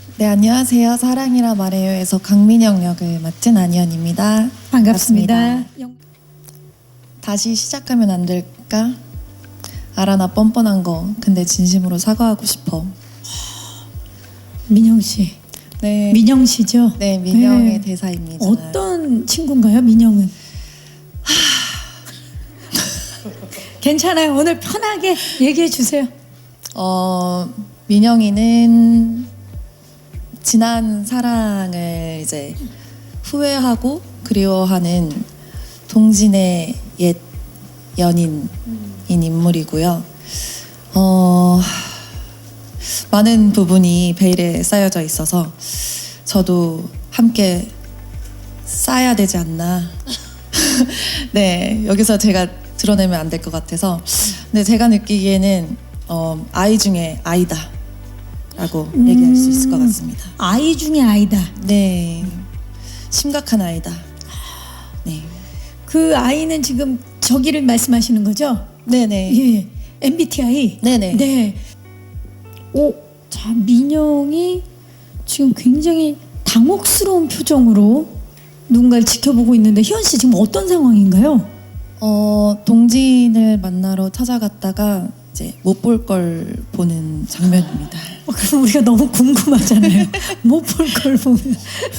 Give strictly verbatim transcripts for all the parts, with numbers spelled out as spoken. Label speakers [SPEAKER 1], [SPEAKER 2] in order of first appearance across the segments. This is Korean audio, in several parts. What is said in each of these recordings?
[SPEAKER 1] 네, 안녕하세요. 사랑이라 말해요에서 강민영 역을 맡은 안희연입니다.
[SPEAKER 2] 반갑습니다. 영-
[SPEAKER 1] 다시 시작하면 안 될까? 알아, 나 뻔뻔한 거. 근데 진심으로 사과하고 싶어.
[SPEAKER 2] 민영 씨,
[SPEAKER 1] 네,
[SPEAKER 2] 민영 씨죠?
[SPEAKER 1] 네, 민영의
[SPEAKER 2] 네.
[SPEAKER 1] 대사입니다.
[SPEAKER 2] 어떤 친구인가요, 민영은? 괜찮아요. 오늘 편하게 얘기해 주세요.
[SPEAKER 1] 어, 민영이는 지난 사랑을 이제 후회하고 그리워하는 동진의 옛 연인인 인물이고요. 어, 많은 부분이 베일에 쌓여져 있어서 저도 함께 쌓아야 되지 않나. 네, 여기서 제가 드러내면 안 될 것 같아서. 근데 제가 느끼기에는 어, 아이 중에 아이다 라고
[SPEAKER 2] 음.
[SPEAKER 1] 얘기할 수 있을 것 같습니다.
[SPEAKER 2] 아이 중에 아이다.
[SPEAKER 1] 네, 심각한 아이다. 네,
[SPEAKER 2] 그 아이는 지금 저기를 말씀하시는 거죠?
[SPEAKER 1] 네네.
[SPEAKER 2] 예, 엠비티아이.
[SPEAKER 1] 네네.
[SPEAKER 2] 네. 오, 자 민영이 지금 굉장히 당혹스러운 표정으로 누군가를 지켜보고 있는데 희연 씨 지금 어떤 상황인가요?
[SPEAKER 1] 어, 동진을 만나러 찾아갔다가 이제 못 볼 걸 보는 장면입니다.
[SPEAKER 2] 어, 그럼 우리가 너무 궁금하잖아요. 못 볼 걸 보면.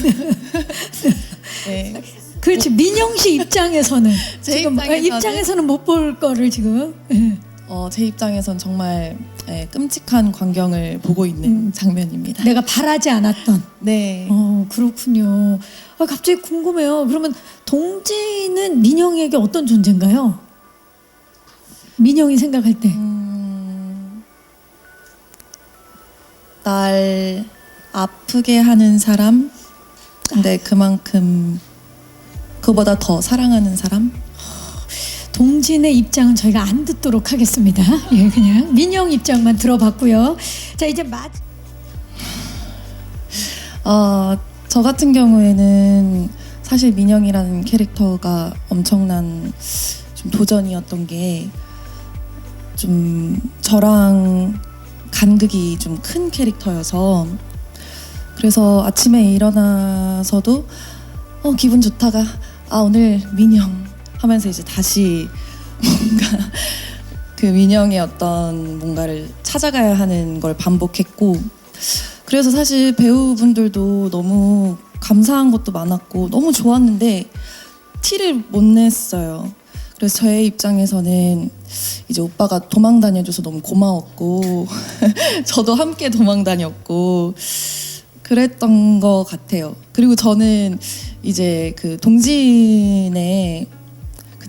[SPEAKER 1] 네.
[SPEAKER 2] 그렇지. 민영 씨 입장에서는
[SPEAKER 1] 제
[SPEAKER 2] 지금
[SPEAKER 1] 입장에서는-
[SPEAKER 2] 입장에서는 못 볼 거를 지금. 예.
[SPEAKER 1] 어, 제 입장에선 정말 예, 끔찍한 광경을 보고 있는
[SPEAKER 2] 음.
[SPEAKER 1] 장면입니다.
[SPEAKER 2] 내가 바라지 않았던.
[SPEAKER 1] 네.
[SPEAKER 2] 어 그렇군요. 아, 갑자기 궁금해요. 그러면 동진은 민영에게 어떤 존재인가요? 민영이 생각할 때.
[SPEAKER 1] 음, 날 아프게 하는 사람, 근데 그만큼 그보다 더 사랑하는 사람?
[SPEAKER 2] 동진의 입장은 저희가 안 듣도록 하겠습니다. 예, 그냥 민영 입장만 들어봤고요. 자 이제 마.
[SPEAKER 1] 어, 저 같은 경우에는 사실 민영이라는 캐릭터가 엄청난 좀 도전이었던 게 좀 저랑 간극이 좀 큰 캐릭터여서 그래서 아침에 일어나서도 어, 기분 좋다가 아 오늘 민영 하면서 이제 다시 뭔가 그 민영의 어떤 뭔가를 찾아가야 하는 걸 반복했고 그래서 사실 배우분들도 너무 감사한 것도 많았고 너무 좋았는데 티를 못 냈어요. 그래서 저의 입장에서는 이제 오빠가 도망 다녀줘서 너무 고마웠고 저도 함께 도망 다녔고 그랬던 것 같아요. 그리고 저는 이제 그 동진의 그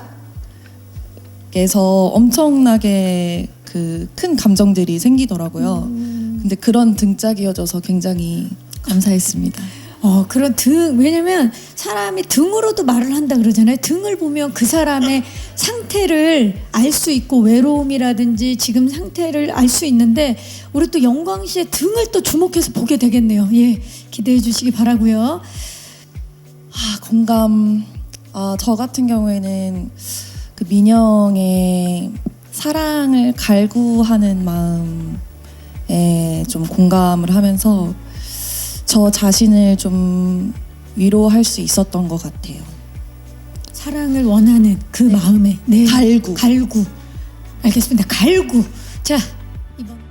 [SPEAKER 1] 등짝에서 엄청나게 그 큰 감정들이 생기더라고요. 근데 그런 등짝이어져서 굉장히 감사했습니다.
[SPEAKER 2] 어 그런 등 왜냐면 사람이 등으로도 말을 한다 그러잖아요. 등을 보면 그 사람의 상태를 알 수 있고 외로움이라든지 지금 상태를 알 수 있는데 우리 또 영광 씨의 등을 또 주목해서 보게 되겠네요. 예, 기대해 주시기 바라고요.
[SPEAKER 1] 아, 공감. 아, 저 같은 경우에는 그 민영의 사랑을 갈구하는 마음에 좀 공감을 하면서 저 자신을 좀 위로할 수 있었던 것 같아요.
[SPEAKER 2] 사랑을 원하는 그 마음에 네.
[SPEAKER 1] 갈구.
[SPEAKER 2] 갈구. 알겠습니다. 갈구. 자 이번.